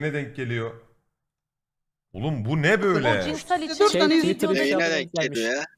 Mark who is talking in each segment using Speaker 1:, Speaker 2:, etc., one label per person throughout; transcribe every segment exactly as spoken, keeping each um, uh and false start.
Speaker 1: Ne denk geliyor? Oğlum bu ne
Speaker 2: O
Speaker 1: böyle?
Speaker 2: cinsel
Speaker 3: Şey,
Speaker 2: içerik
Speaker 3: Twitter
Speaker 2: videoda
Speaker 3: şey
Speaker 4: Yayına
Speaker 3: yapmaya
Speaker 4: denk
Speaker 3: gelmiş.
Speaker 4: geliyor ya.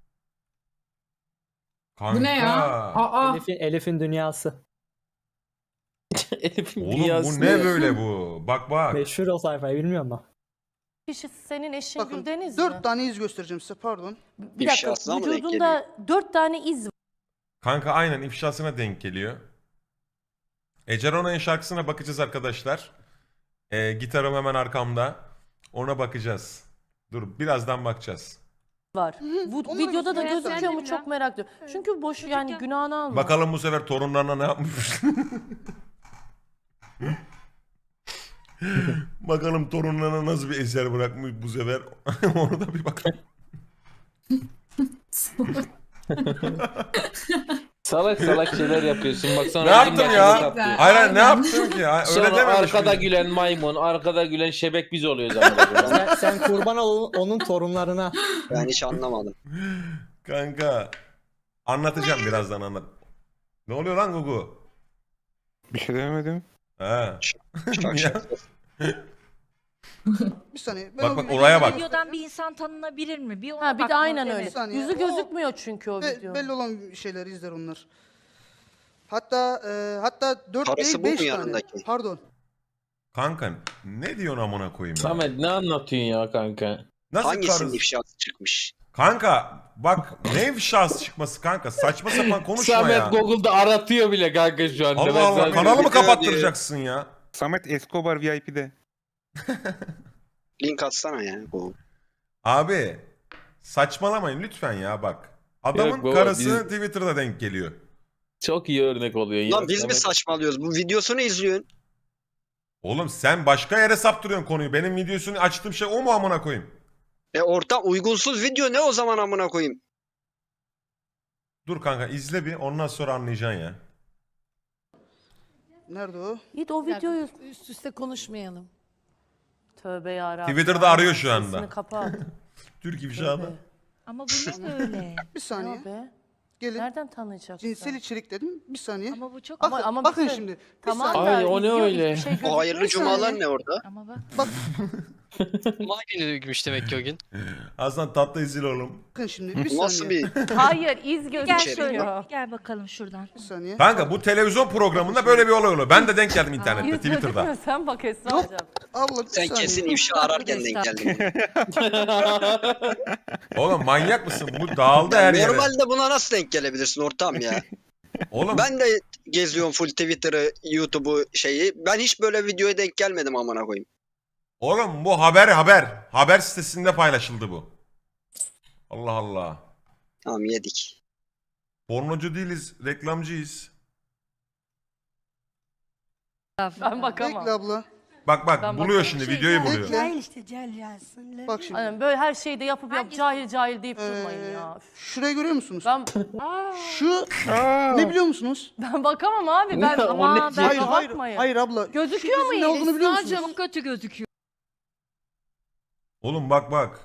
Speaker 1: Kanka.
Speaker 5: Bu ne ya? Aa.
Speaker 3: Elif'in, Elif'in dünyası.
Speaker 6: Elif'in
Speaker 1: Oğlum bu
Speaker 6: dünyası.
Speaker 1: ne böyle bu? Bak bak.
Speaker 3: Meşhur o sayfayı bilmiyor musun?
Speaker 2: kişi senin eşin
Speaker 7: Bakın
Speaker 2: Güldeniz mi?
Speaker 7: dört tane iz göstereceğim size pardon.
Speaker 2: Bir dakika
Speaker 4: İfşasına mı denk
Speaker 2: vücudunda dört tane iz
Speaker 1: Kanka aynen ifşasına denk geliyor. Ece Rona'nın şarkısına bakacağız arkadaşlar. Ee, gitarım hemen arkamda. Ona bakacağız. Dur birazdan bakacağız.
Speaker 2: var. Bu
Speaker 7: Onları
Speaker 2: videoda da
Speaker 7: göster.
Speaker 2: gözüküyor mu
Speaker 5: Gösterdim
Speaker 2: çok merak ediyorum. Çünkü boş yani günahını alma.
Speaker 1: Bakalım bu sefer torunlarına ne yapmış. Bakalım torunlarına nasıl bir eser bırakmış bu sefer. Onu da bir bakalım.
Speaker 6: Salak salak şeyler yapıyorsun. Bak sonra
Speaker 1: Ne yaptım
Speaker 6: bizim
Speaker 1: ya?
Speaker 6: başımıza patlıyor.
Speaker 1: Hayır hayır, ne
Speaker 5: Aynen.
Speaker 1: yaptım ki? Hayır, Öyle
Speaker 6: Sonra
Speaker 1: dememiş
Speaker 6: arkada
Speaker 1: miyim?
Speaker 6: gülen maymun, arkada gülen şebek biz oluyoruz ama.
Speaker 3: Sen, sen kurban ol onun torunlarına.
Speaker 4: Ben hiç anlamadım.
Speaker 1: Kanka. Anlatacağım birazdan anlat. Ne oluyor lan Gugu?
Speaker 8: Bir şey demedim.
Speaker 1: Ha.
Speaker 4: Şak şak.
Speaker 7: Bir saniye. Ben
Speaker 1: Bak
Speaker 7: o
Speaker 1: bak
Speaker 7: videoyu-
Speaker 1: oraya bak.
Speaker 9: Videodan bir insan tanınabilir mi? Bir ona
Speaker 2: Ha bir de
Speaker 9: bakmak
Speaker 2: aynen
Speaker 9: gerek.
Speaker 2: öyle.
Speaker 7: Bir saniye.
Speaker 2: Yüzü
Speaker 7: O-
Speaker 2: gözükmüyor çünkü o
Speaker 7: Be-
Speaker 2: video.
Speaker 7: belli olan şeyler izler onlar. Hatta e, hatta dört
Speaker 4: Karısı
Speaker 7: değil
Speaker 4: bu mu
Speaker 7: beş tane.
Speaker 4: yanındaki?
Speaker 7: Pardon.
Speaker 1: Kanka ne diyorsun amına koyayım ya?
Speaker 6: Samet ne anlatıyorsun ya kanka?
Speaker 1: Nasıl
Speaker 4: Hangisinin
Speaker 1: karısı?
Speaker 4: ifşası çıkmış?
Speaker 1: Kanka bak ne ifşası çıkması kanka saçma sapan konuşma
Speaker 6: Samet
Speaker 1: ya.
Speaker 6: Google'da aratıyor bile kanka şu anda.
Speaker 1: Allah
Speaker 6: Ben
Speaker 1: Allah
Speaker 6: sana
Speaker 1: kanalı mı
Speaker 4: video
Speaker 1: kapattıracaksın ya?
Speaker 8: Samet Escobar V I P'de.
Speaker 4: Link atsana ya. Bu.
Speaker 1: Abi saçmalamayın lütfen ya bak. Adamın
Speaker 6: Yok baba,
Speaker 1: karısı
Speaker 6: biz-
Speaker 1: Twitter'da denk geliyor.
Speaker 6: Çok iyi örnek oluyor ya.
Speaker 4: Lan biz mi
Speaker 6: Samet.
Speaker 4: saçmalıyoruz? Bu videosunu izliyorsun.
Speaker 1: Oğlum sen başka yere saptırıyorsun konuyu. Benim videosunu açtığım şey o mu amına koyayım?
Speaker 4: E orta uygunsuz video ne o zaman amına koyayım?
Speaker 1: Dur kanka izle bir ondan sonra anlayacaksın ya.
Speaker 7: Nerede o?
Speaker 2: Git o videoyu
Speaker 5: Üst üste konuşmayalım.
Speaker 2: tövbe yarabbim.
Speaker 1: Twitter'da arıyor şu anda.
Speaker 2: Sesini kapat.
Speaker 1: Türk ifşadı.
Speaker 2: Tövbe.
Speaker 9: Ama bu ne böyle?
Speaker 7: Bir saniye.
Speaker 2: Ne be?
Speaker 7: Gelin.
Speaker 2: Nereden tanıyacaksın?
Speaker 7: Cinsel içerik dedim. Bir saniye.
Speaker 9: Ama bu çok...
Speaker 7: Bakın,
Speaker 2: Ama- ama
Speaker 7: bakın
Speaker 2: bir şey-
Speaker 7: şimdi. Bir
Speaker 2: Tamam
Speaker 7: saniye.
Speaker 2: da
Speaker 6: Ay, o ne
Speaker 2: izliyor,
Speaker 6: öyle?
Speaker 2: hiçbir şey
Speaker 4: O
Speaker 2: gözükmüyor.
Speaker 4: hayırlı cumalar ne orada?
Speaker 9: Ama bak.
Speaker 10: Cuma günü gitmiş demek ki o gün.
Speaker 1: Aslan tatlı izle oğlum.
Speaker 7: Bakın şimdi. Bir
Speaker 4: Bu
Speaker 7: saniye.
Speaker 4: nasıl bir...
Speaker 2: Hayır iz
Speaker 9: Gel
Speaker 4: İçeri
Speaker 9: şöyle.
Speaker 2: gözüküyor.
Speaker 9: Gel bakalım şuradan.
Speaker 7: Bir saniye.
Speaker 1: Kanka bu televizyon programında böyle bir olay oluyor. Ben de denk geldim internette
Speaker 2: İz
Speaker 1: Twitter'da.
Speaker 2: gözükmüyor sen bak Esra
Speaker 7: Yok.
Speaker 2: hocam.
Speaker 7: Abla bir
Speaker 4: Sen
Speaker 7: saniye.
Speaker 4: kesin ifşa ararken denk geldin.
Speaker 1: Oğlum manyak mısın? Bu dağıldı her yere.
Speaker 4: Normalde buna nasıl denk gelebilirsin ortam ya?
Speaker 1: Oğlum
Speaker 4: Ben de geziyorum full Twitter'ı, YouTube'u şeyi. Ben hiç böyle videoya denk gelmedim amına koyayım.
Speaker 1: Oğlum bu haber haber. Haber sitesinde paylaşıldı bu. Allah Allah.
Speaker 4: Tamam yedik.
Speaker 1: Pornocu değiliz, reklamcıyız.
Speaker 2: Ben bakamam.
Speaker 7: Bekle abla.
Speaker 1: Bak bak
Speaker 2: Ben
Speaker 1: buluyor
Speaker 2: bakarım.
Speaker 1: şimdi videoyu buluyor.
Speaker 7: Bekle.
Speaker 5: işte gel gelsin.
Speaker 7: Bak şimdi.
Speaker 2: Aynen, böyle her şeyi de yapıp yap
Speaker 9: Hangisi?
Speaker 2: cahil cahil deyip
Speaker 7: Ee,
Speaker 2: durmayın ya. Üf.
Speaker 7: şurayı görüyor musunuz?
Speaker 2: Ben
Speaker 7: Şu ne biliyor musunuz?
Speaker 2: ben bakamam abi. Ben
Speaker 6: Ne? O
Speaker 2: ama
Speaker 6: ne?
Speaker 2: ben
Speaker 7: hayır hayır.
Speaker 2: bakmayın.
Speaker 7: Hayır abla.
Speaker 2: Gözüküyor mu?
Speaker 7: Ne olduğunu biliyor musunuz?
Speaker 9: Çok kötü gözüküyor.
Speaker 1: Oğlum bak bak.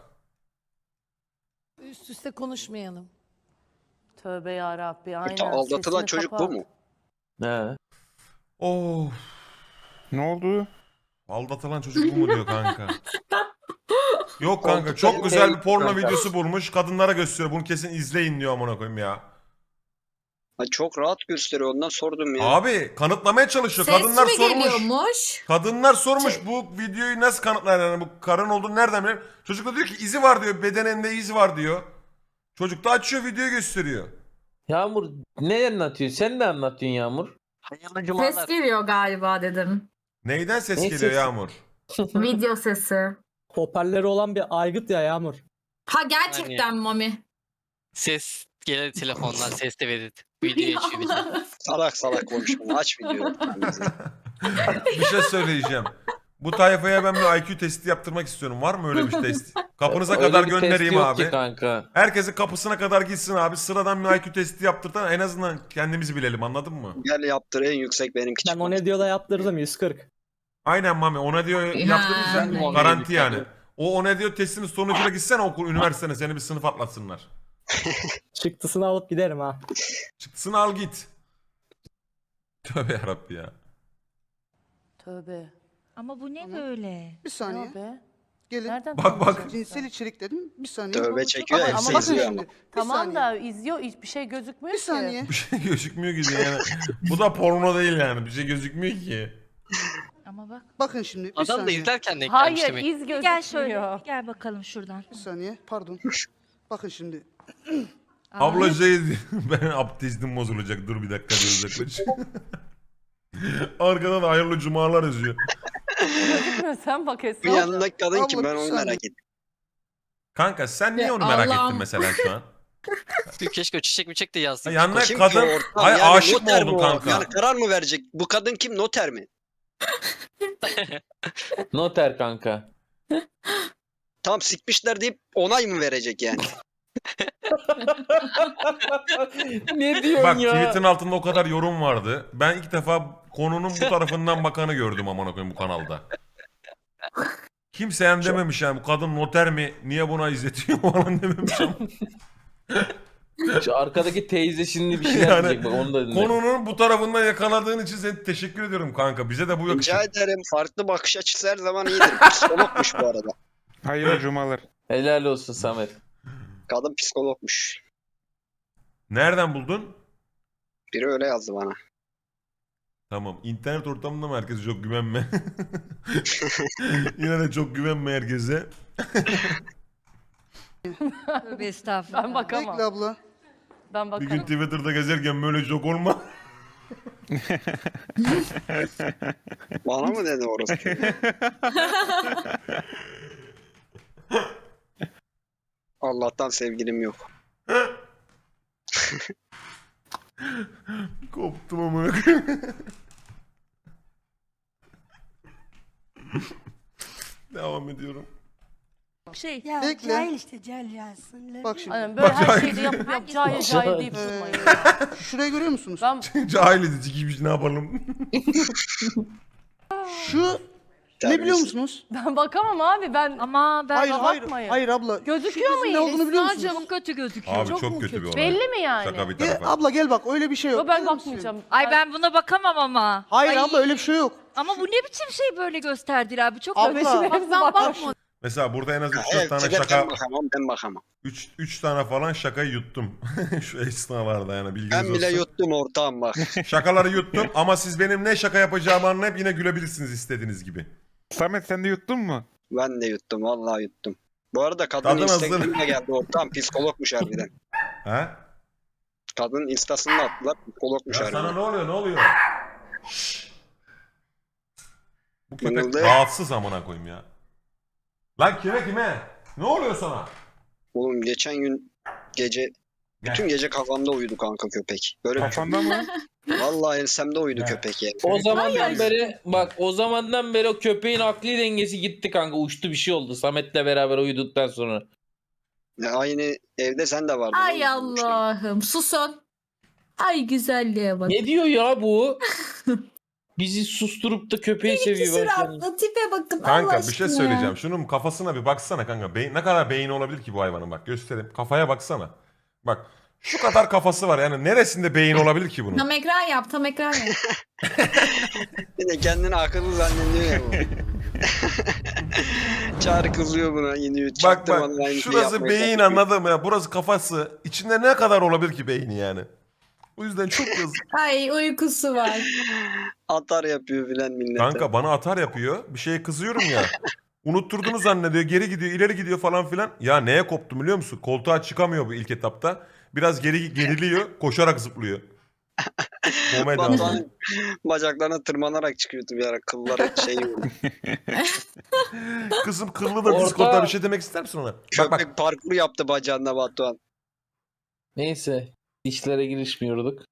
Speaker 5: Üst üste konuşmayalım.
Speaker 2: Tövbe yarabbi. Aynen.
Speaker 4: Ta- Aldatılan
Speaker 2: sesini
Speaker 4: çocuk
Speaker 2: kapat.
Speaker 4: bu mu?
Speaker 6: He.
Speaker 1: Of.
Speaker 8: Ne oldu?
Speaker 1: Aldatılan çocuk bu mu diyor kanka. Yok kanka
Speaker 6: Koltukta
Speaker 1: çok güzel bir porno
Speaker 6: kanka.
Speaker 1: videosu bulmuş. Kadınlara gösteriyor. Bunu kesin izleyin diyor amına koyayım ya.
Speaker 4: Ha, çok rahat gösteriyor ondan sordum ya.
Speaker 1: Abi kanıtlamaya çalışıyor.
Speaker 5: Ses
Speaker 1: Kadınlar
Speaker 5: mi
Speaker 1: sormuş.
Speaker 5: geliyormuş?
Speaker 1: Kadınlar sormuş bu videoyu nasıl kanıtlar yani bu karın olduğunu nereden bilir? Çocuk da diyor ki izi var diyor. Bedeninde iz var diyor. Çocuk da açıyor videoyu gösteriyor.
Speaker 6: Yağmur ne anlatıyorsun? Sen ne anlatıyorsun Yağmur?
Speaker 10: Hayırlı cumalar.
Speaker 5: Ses geliyor galiba dedim.
Speaker 1: Neyden ses
Speaker 6: Ne
Speaker 1: geliyor
Speaker 6: sesi?
Speaker 1: Yağmur?
Speaker 5: Video sesi.
Speaker 3: Hoparlörü olan bir aygıt ya Yağmur.
Speaker 5: Ha gerçekten Mami.
Speaker 10: Ses gelir telefondan ses de verir. Video açıyor bir de.
Speaker 4: Salak salak konuşma. Aç videoyu.
Speaker 1: Bir şey söyleyeceğim. Bu tayfaya ben bir I Q testi yaptırmak istiyorum. Var mı öyle bir test? Kapınıza
Speaker 6: Öyle
Speaker 1: kadar
Speaker 6: bir test
Speaker 1: göndereyim
Speaker 6: yok
Speaker 1: abi.
Speaker 6: ki kanka.
Speaker 1: Herkesin kapısına kadar gitsin abi. Sıradan bir I Q testi yaptırtan en azından kendimizi bilelim anladın mı?
Speaker 4: Gel yaptır en yüksek benimki
Speaker 3: Ben
Speaker 4: çıkmaz.
Speaker 3: o ne diyor da yaptırdım yüz kırk.
Speaker 1: Aynen Mami ona diyor yaptırırsan
Speaker 5: Ha.
Speaker 1: garanti yani. O ona diyor testinin sonucuyla gitsen okul üniversitene seni bir sınıf atlatsınlar.
Speaker 3: Çıktısını alıp giderim ha.
Speaker 1: Çıktısını al git. Tövbe yarabbi ya.
Speaker 2: Tövbe.
Speaker 9: Ama bu ne
Speaker 7: Tamam.
Speaker 9: böyle?
Speaker 7: Bir
Speaker 2: Ne
Speaker 7: saniye.
Speaker 2: o be?
Speaker 7: Gelin.
Speaker 2: Nereden
Speaker 1: Bak, bak.
Speaker 2: tanıyorsun
Speaker 7: Cinsel
Speaker 2: sen?
Speaker 7: içerik dedim. Bir saniye.
Speaker 4: Tövbe çekiyor
Speaker 2: Ama-
Speaker 4: hepsi
Speaker 2: ama bakın
Speaker 4: izliyor
Speaker 7: şimdi.
Speaker 4: ama.
Speaker 7: Bir
Speaker 2: Tamam
Speaker 7: saniye.
Speaker 2: da izliyor hiçbir şey gözükmüyor
Speaker 7: Bir
Speaker 2: ki.
Speaker 7: saniye.
Speaker 1: Bir şey gözükmüyor ki yani. Bu da porno değil yani. Bir şey gözükmüyor ki.
Speaker 9: Ama bak.
Speaker 7: Bakın şimdi. Bir
Speaker 10: Adam da
Speaker 7: saniye.
Speaker 10: izlerken denk
Speaker 2: Hayır
Speaker 10: gelmiş demek.
Speaker 2: iz
Speaker 9: Bir
Speaker 2: gözükmüyor.
Speaker 9: gel şöyle. Bir gel bakalım şuradan.
Speaker 7: Bir saniye. Pardon. Bakın şimdi.
Speaker 9: Aa,
Speaker 1: Abla şey ben abdestim bozulacak. Dur bir dakika diye uzaklaş. Arkadan hayırlı cumalar yazıyor.
Speaker 2: Gözükmüyor, sen bak
Speaker 4: Bu
Speaker 2: Esra.
Speaker 4: yanındaki kadın kim
Speaker 7: Abla,
Speaker 4: ben
Speaker 7: bir
Speaker 4: onu
Speaker 7: saniye.
Speaker 4: merak ettim.
Speaker 1: Kanka sen niye
Speaker 5: Ya
Speaker 1: onu merak
Speaker 5: Allah'ım.
Speaker 1: ettin mesela şu an?
Speaker 10: Keşke o çiçek mi çek de yazsın.
Speaker 1: Ha, yanına
Speaker 4: Kim
Speaker 1: kadın...
Speaker 4: ki o ortam?
Speaker 1: Ay
Speaker 4: Yani
Speaker 1: aşık mı
Speaker 4: noter
Speaker 1: oldun
Speaker 4: o?
Speaker 1: kanka?
Speaker 4: Yani karar mı verecek? Bu kadın kim? Noter mi?
Speaker 6: Noter kanka.
Speaker 4: Tam sikmişler deyip onay mı verecek yani?
Speaker 6: Ne diyorsun
Speaker 1: Bak
Speaker 6: ya?
Speaker 1: tweet'in altında o kadar yorum vardı. Ben ilk defa konunun bu tarafından bakanı gördüm amına koyayım bu kanalda. Kimseyen dememiş yani bu kadın noter mi? Niye buna izletiyor falan dememiş ama.
Speaker 6: Şu arkadaki teyze şimdi bir şeyler
Speaker 1: Yani
Speaker 6: diyecek bak onu da dinle.
Speaker 1: Konunun bu tarafından yakaladığın için sana teşekkür ediyorum kanka. Bize de bu yakışır.
Speaker 4: Rica ederim. Farklı bakış açısı her zaman iyidir. Psikologmuş bu arada.
Speaker 8: Hayırlı cumalar.
Speaker 6: Helal olsun Samet.
Speaker 4: Kadın psikologmuş.
Speaker 1: Nereden buldun?
Speaker 4: Biri öyle yazdı bana.
Speaker 1: Tamam. İnternet ortamında mı herkese çok güvenme? Yine de çok güvenme herkese.
Speaker 9: Tövbe estağfurullah.
Speaker 2: Ben bakamam.
Speaker 7: Bekle abla.
Speaker 2: Ben
Speaker 1: Bir gün
Speaker 2: bakarım.
Speaker 1: Twitter'da gezerken böyle çok olma.
Speaker 4: Bana mı dedi orası? Allah'tan sevgilim yok.
Speaker 1: Koptum amına koyayım. Devam ediyorum.
Speaker 9: Şey.
Speaker 7: Ya, Bekle. cahil
Speaker 9: işte cahil yazsın.
Speaker 7: Bak şimdi.
Speaker 2: Aynen, böyle
Speaker 1: Bak,
Speaker 2: her
Speaker 1: cahil.
Speaker 2: şeyde yapıp yap cahil cahil deyip
Speaker 7: Ee,
Speaker 2: durmayın.
Speaker 7: Şurayı görüyor musunuz?
Speaker 2: Ben
Speaker 1: Cahil edici gibi ne yapalım?
Speaker 7: Şu ne biliyor musunuz?
Speaker 2: ben bakamam abi ben.
Speaker 9: Ama ben
Speaker 7: Hayır hayır.
Speaker 2: bakmayın.
Speaker 7: Hayır abla.
Speaker 2: Gözüküyor mu
Speaker 7: Ne olduğunu biliyor musunuz?
Speaker 9: çok kötü gözüküyor.
Speaker 1: Abi çok,
Speaker 9: mu
Speaker 1: kötü bir olay.
Speaker 2: Belli mi yani?
Speaker 1: Şaka bir
Speaker 7: Gel,
Speaker 1: tarafa.
Speaker 7: abla gel bak öyle bir şey yok.
Speaker 2: Yo, ben
Speaker 7: Gelir misin?
Speaker 2: bakmayacağım.
Speaker 9: Ay ben buna bakamam ama.
Speaker 7: Hayır
Speaker 9: Ay,
Speaker 7: abla öyle bir şey yok.
Speaker 9: Ama bu ne biçim şey böyle gösterdiler abi çok
Speaker 7: Abla.
Speaker 9: Bak ben bakmadım.
Speaker 1: Mesela burada en az üç dört
Speaker 4: Evet,
Speaker 1: tane
Speaker 4: ben
Speaker 1: şaka,
Speaker 4: bakamam, ben bakamam.
Speaker 1: üç tane falan şakayı yuttum. Şu esnalarda yani bilginiz
Speaker 4: Ben bile
Speaker 1: olsun.
Speaker 4: yuttum ortağım bak.
Speaker 1: Şakaları yuttum ama siz benim ne şaka yapacağımı anlayıp yine gülebilirsiniz istediğiniz gibi.
Speaker 8: Samet sen de yuttun mu?
Speaker 4: Ben de yuttum, vallahi yuttum. Bu arada kadın
Speaker 1: Kadın hazır.
Speaker 4: Instagram'a geldi ortağım, psikologmuş harbiden.
Speaker 1: He?
Speaker 4: Kadın instasını da attılar, psikologmuş
Speaker 1: Ya
Speaker 4: harbiden.
Speaker 1: sana ne oluyor ne oluyor? Şşş. Bu köpek
Speaker 4: Mırıldı.
Speaker 1: rahatsız amına koyayım ya. Lan kime kime? Ne oluyor sana?
Speaker 4: Oğlum geçen gün gece, bütün gece kafamda uyudu kanka köpek. Böyle bir-
Speaker 8: Kafanda mı?
Speaker 4: vallahi ensemde uyudu
Speaker 1: Ne?
Speaker 4: köpek yani.
Speaker 6: O zamandan beri bak o zamandan beri o köpeğin akli dengesi gitti kanka uçtu bir şey oldu Samet'le beraber uyuduktan sonra.
Speaker 4: Ya aynı evde sen de vardın.
Speaker 5: Ay
Speaker 4: oğlum.
Speaker 5: Allah'ım susun. Ay güzelliğe bak.
Speaker 6: Ne diyor ya bu? Bizi susturup da köpeği seviyor. bak yani.
Speaker 5: Suratlı tipe bakın Allah
Speaker 1: Kanka bir şey
Speaker 5: aşkına ya.
Speaker 1: söyleyeceğim. Şunun kafasına bir baksana kanka. Beyin, ne kadar beyni olabilir ki bu hayvanın bak göstereyim. Kafaya baksana. Bak şu kadar kafası var yani neresinde beyin olabilir ki bunun?
Speaker 5: Tam ekran yap tam ekran yap.
Speaker 4: Bir de kendini akıllı zannediyor ya bu. Çağrı kızıyor buna iniyor.
Speaker 1: Bak
Speaker 4: çaktırmadan
Speaker 1: bak
Speaker 4: aynı şeyi
Speaker 1: şurası
Speaker 4: yapmaya
Speaker 1: beyin
Speaker 4: çalışıyor.
Speaker 1: anladım ya. Burası kafası. İçinde ne kadar olabilir ki beyni yani? O yüzden çok yazık.
Speaker 5: Ay uykusu var.
Speaker 4: Atar yapıyor filan millete.
Speaker 1: Kanka bana atar yapıyor. Bir şeye kızıyorum ya. Unutturduğunu zannediyor. Geri gidiyor, ileri gidiyor falan filan. Ya neye koptu biliyor musun? Koltuğa çıkamıyor bu ilk etapta. Biraz geri geriliyor, koşarak zıplıyor. Komedi abi.
Speaker 4: Batuhan bacaklarına tırmanarak çıkıyordu bir ara. Kılları şey oldu.
Speaker 1: Kızım kıllı da
Speaker 6: Orta-
Speaker 1: Discord'da bir şey demek ister misin ona? Bak bak.
Speaker 4: Köpek parkur yaptı bacağında Batuhan.
Speaker 6: Neyse işlere girişmiyorduk.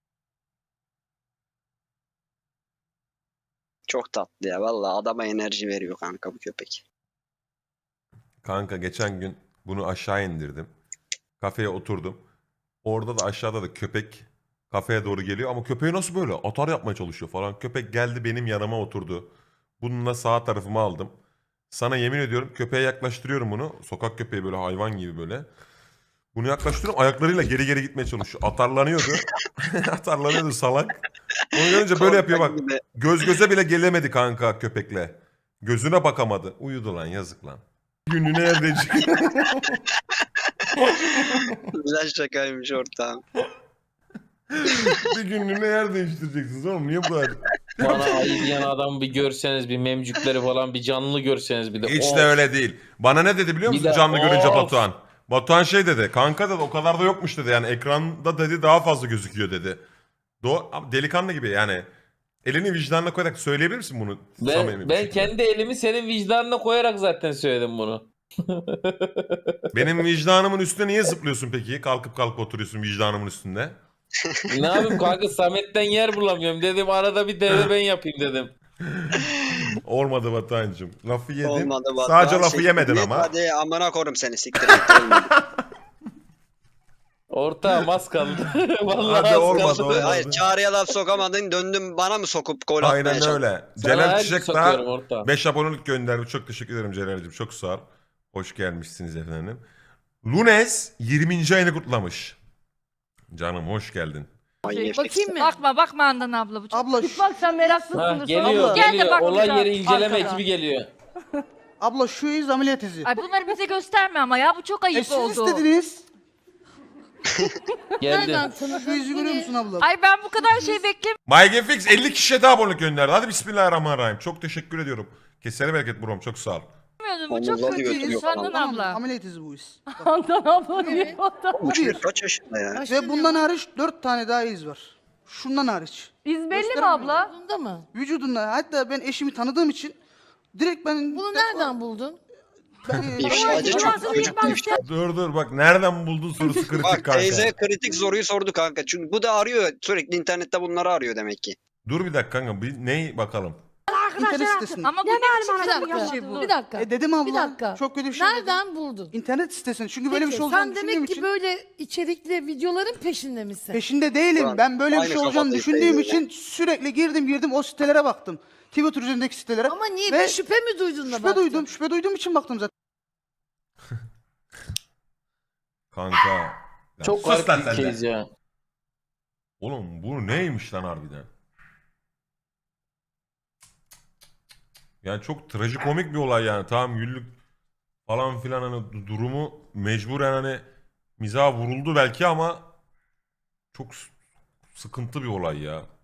Speaker 4: Çok tatlı ya. Vallahi adama enerji veriyor kanka bu köpek.
Speaker 1: Kanka geçen gün bunu aşağı indirdim. Kafeye oturdum. Orada da aşağıda da köpek kafeye doğru geliyor ama köpeği nasıl böyle atar yapmaya çalışıyor falan. Köpek geldi benim yanıma oturdu. Bununla sağ tarafıma aldım. Sana yemin ediyorum köpeğe yaklaştırıyorum bunu. Sokak köpeği böyle hayvan gibi böyle. Bunu yaklaştırıyorum ayaklarıyla geri geri gitmeye çalışıyor. Atarlanıyordu. Atarlanıyordu salak. Onu görünce böyle yapıyor bak.
Speaker 4: Korkak gibi.
Speaker 1: Göz göze bile gelemedi kanka köpekle. Gözüne bakamadı. Uyudu lan yazık lan. Gününü evdecik.
Speaker 4: Güzel şakaymış ortağım.
Speaker 1: Bir günlüğüne yer değiştireceksiniz oğlum. Niye bu kadar?
Speaker 6: Bana ayı diyen adam bir görseniz, bir memcükleri falan bir canlı görseniz bir de.
Speaker 1: Hiç
Speaker 6: Of.
Speaker 1: de öyle değil. Bana ne dedi biliyor
Speaker 6: Bir
Speaker 1: musun
Speaker 6: de-
Speaker 1: canlı görünce
Speaker 6: Of.
Speaker 1: Batuhan? Batuhan şey dedi. Kanka dedi o kadar da yokmuş dedi. Yani ekranda dedi daha fazla gözüküyor dedi. Do Ama delikanlı gibi yani. Elini vicdanına koyarak söyleyebilir misin bunu? samimi
Speaker 6: Ben,
Speaker 1: bir
Speaker 6: ben
Speaker 1: şekilde?
Speaker 6: kendi elimi senin vicdanına koyarak zaten söyledim bunu.
Speaker 1: Benim vicdanımın üstüne niye zıplıyorsun peki? Kalkıp kalkıp oturuyorsun vicdanımın üstünde.
Speaker 6: Ne yapayım kanka, Samet'ten yer bulamıyorum dedim, arada bir devre ben yapayım dedim.
Speaker 1: Olmadı Batuhan'cığım. Lafı yedin.
Speaker 4: Olmadı bak.
Speaker 1: Sadece
Speaker 4: Daha
Speaker 1: lafı
Speaker 4: siktir
Speaker 1: yemedin
Speaker 4: git,
Speaker 1: ama.
Speaker 4: Hadi amına korum seni siktir git. Olmadı.
Speaker 6: Ortağım az kaldı. Vallahi
Speaker 1: Hadi
Speaker 6: az
Speaker 1: olmadı,
Speaker 6: kaldı.
Speaker 1: olmadı.
Speaker 4: Hayır çağrıya laf sokamadın döndün bana mı sokup gol atmaya
Speaker 1: Aynen
Speaker 4: çalıştın?
Speaker 1: öyle.
Speaker 6: Sana
Speaker 1: Celal
Speaker 6: her
Speaker 1: Çiçek
Speaker 6: gün sokuyorum
Speaker 1: daha
Speaker 6: ortağım.
Speaker 1: beş abonelik gönderdi. Çok teşekkür ederim Celal'cığım. Çok sağ ol. Hoş gelmişsiniz efendim. Lunes yirminci ayını kutlamış. Canım hoş geldin.
Speaker 4: Manyak.
Speaker 9: Bakayım mı? Bakma bakma Andan abla bu çok.
Speaker 7: Abla şu,
Speaker 2: Bak sen
Speaker 6: Ha,
Speaker 2: meraklısındır.
Speaker 6: geliyor
Speaker 7: Abla.
Speaker 9: Gel de
Speaker 6: geliyor.
Speaker 9: bak
Speaker 6: Olay
Speaker 2: burada,
Speaker 6: yeri inceleme
Speaker 2: arkada.
Speaker 6: ekibi geliyor.
Speaker 7: abla şu iz ameliyat izi.
Speaker 9: Ay bunları bize gösterme ama ya bu çok ayıp
Speaker 7: E siz
Speaker 9: oldu.
Speaker 7: istediniz.
Speaker 6: Geldi.
Speaker 7: Şu izi görüyor musun abla?
Speaker 9: Ay ben bu kadar şey beklemedim.
Speaker 1: MyGameFix elli kişiye daha abonelik gönderdi. Hadi bismillahirrahmanirrahim. Çok teşekkür ediyorum. Kesene bereket brom. Çok sağ ol.
Speaker 9: Bu çok
Speaker 4: Omuzları
Speaker 9: kötü.
Speaker 4: götürüyor
Speaker 9: Andan
Speaker 7: Tamam,
Speaker 9: abla.
Speaker 7: ameliyat izi bu iz.
Speaker 2: Andan abla diye.
Speaker 4: Bu çocuk kaç yaşında ya?
Speaker 7: Ve bundan hariç dört tane daha iz var. Şundan hariç.
Speaker 2: İz belli mi
Speaker 7: Göstermiyor.
Speaker 2: abla?
Speaker 5: Bunda mı?
Speaker 7: Vücudunda, hatta ben eşimi tanıdığım için direkt ben...
Speaker 5: Bunu nereden buldun?
Speaker 7: Ben,
Speaker 4: İfşacı çok
Speaker 9: Cumartesi
Speaker 4: çocuk
Speaker 9: günü
Speaker 4: ifşa.
Speaker 1: Dur dur bak nereden buldun sorusu kritik
Speaker 4: Bak
Speaker 1: kanka.
Speaker 4: teyze kritik soruyu sordu kanka. Çünkü bu da arıyor sürekli internette bunları arıyor demek ki.
Speaker 1: Dur bir dakika kanka. Bir ney bakalım.
Speaker 7: internet sitesinde.
Speaker 9: Ama bu ne biçim
Speaker 5: Bir
Speaker 9: çok
Speaker 5: dakika.
Speaker 9: bir şey bu.
Speaker 5: Bir dakika.
Speaker 7: E dedim abla.
Speaker 5: Bir dakika.
Speaker 7: Çok kötü bir şey dedim.
Speaker 5: Nereden buldun?
Speaker 7: İnternet sitesinde. Çünkü böyle bir
Speaker 5: Peki,
Speaker 7: şey olacağını
Speaker 5: sen
Speaker 7: düşündüğüm
Speaker 5: demek ki
Speaker 7: için.
Speaker 5: böyle içerikli videoların peşinde misin?
Speaker 7: Peşinde değilim.
Speaker 4: Ulan,
Speaker 7: Ben böyle bir
Speaker 4: aynı
Speaker 7: şey olacağını
Speaker 4: kafadayız
Speaker 7: düşündüğüm
Speaker 4: teyzeyle.
Speaker 7: için sürekli girdim girdim o sitelere baktım. Twitter üzerindeki sitelere.
Speaker 5: Ama niye
Speaker 7: Ve
Speaker 5: bir şüphe mi duydun da
Speaker 7: şüphe
Speaker 5: baktın?
Speaker 7: duydum. Şüphe duyduğum için baktım zaten.
Speaker 1: Kanka. Ya
Speaker 6: Çok
Speaker 1: sus lan
Speaker 6: garip bir
Speaker 1: sen de.
Speaker 6: case ya.
Speaker 1: Oğlum bu neymiş lan harbiden? Yani çok trajikomik bir olay yani. Tamam güllük falan filan hani du- durumu mecburen hani mizaha vuruldu belki ama çok s- sıkıntı bir olay ya.